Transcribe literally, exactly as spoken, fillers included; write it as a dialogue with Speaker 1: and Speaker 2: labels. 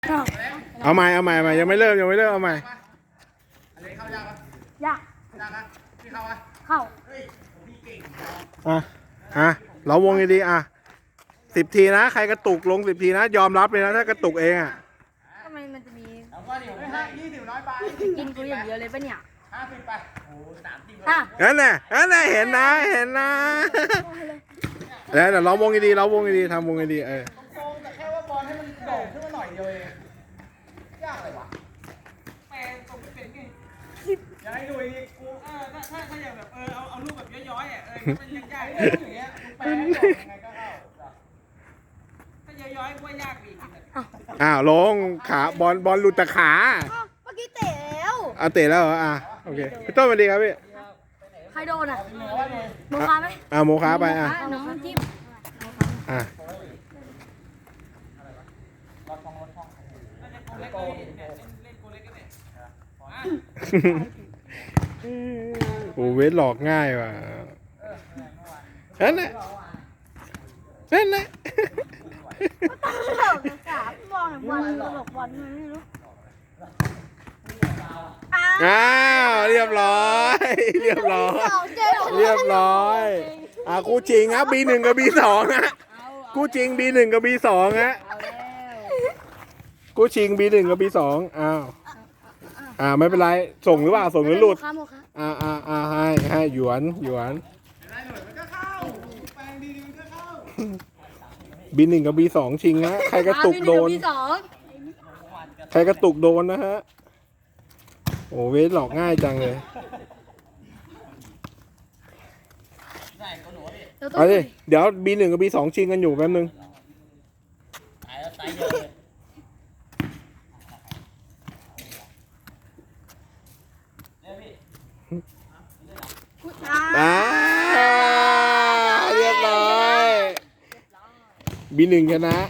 Speaker 1: เอาใหม่เอาใหม่เอาใหม่ยังไม่เริ่มยังไม่เริ่มเอาใหม่
Speaker 2: อะไรเข้ายากปะ
Speaker 3: ยาก
Speaker 2: ยากนะพี่เข้าปะ
Speaker 3: เข้า
Speaker 2: เฮ้ยผมพี่เก่ง
Speaker 1: อ่ะอ่ะเราวงดีๆอ่ะสิบทีนะใครกระตุกลงสิบทีนะยอมรับเลยนะถ้ากระตุกเองอ่ะ
Speaker 3: ทำไมมันจะมี
Speaker 2: แล้วก็เดี๋ยวให้ยี่สิบร้อยไป
Speaker 3: กินกูอย่างเดียวเลยปะเนี่ย
Speaker 2: ห้าสิบไปโอ้สามสิบ
Speaker 3: อ่ะ
Speaker 1: นั่นแหละนั่นแหละเห็นนะเห็นนะแล้วเดี๋ยวเราวงดีๆเราวงดีๆทำวงดีๆเออ
Speaker 2: โกงแต่แค่ว่าบอลให้มันโด่งขึ้นมาหน่อยเดียวเองยากเลยวะแปลตรงไม่เป็นไงอยากให้ดูอีกกูเออถ้าถ้าถ้าอย่างแบบเออเอาเอาลูกแบบย้อยๆอ่ะเออมันยังยากเลยอย่างเงี้ยแปลให้โด่งยังไงก็เข้าถ้าย้อยๆกูว่ายากอีก
Speaker 1: อ้าวลงขาบอลบอลหลุดแต่ขา
Speaker 3: เมื่อกี้เตะแล้ว
Speaker 1: เอาเตะแล้วเหรออ่ะโอเคพี่ต้นสวัสดีครับพี่
Speaker 3: ใครโดนอ่ะโมคาไหม
Speaker 1: อ่ะโมค้าไปอ่ะ
Speaker 3: น้องจิ้ม
Speaker 1: อ่ะ โอ้เวทหลอกง่ายว่ะนั่นแหละนั่นแหละ
Speaker 3: ตลกนะสามบอลบอลตลกบอลไม่รู้อ้า
Speaker 1: อ้าวเรียบร้อยเรียบร้อยเรียบร้อยอ่ะคู่จริงครับ บี หนึ่ง กับ บี สอง ฮะคู่จริง บี หนึ่ง กับ บี สอง ฮะคู่จริง บี หนึ่ง กับ บี สอง อ้าวอ่าไม่เป็นไรส่งหรือเปล่าส่งหรือหลุด
Speaker 3: โมคาโมคา
Speaker 1: อ่าอ่าอ่าให้ให้หยวนหยวน
Speaker 2: ได้หน่อยมันก็เข้าแปลงดีๆมันก็เข้า
Speaker 1: บี หนึ่ง กับ บี สอง ชิงนะใครกระตุกโดน
Speaker 3: พี่สอง
Speaker 1: ใครกระตุกโดนนะฮะโอ้เวทหลอกง่ายจังเลยเอาดิเดี๋ยว บี หนึ่ง กับ บี สอง ชิงกันอยู่แป๊บนึงอ่าเรียบร้อย บี หนึ่ง ชนะ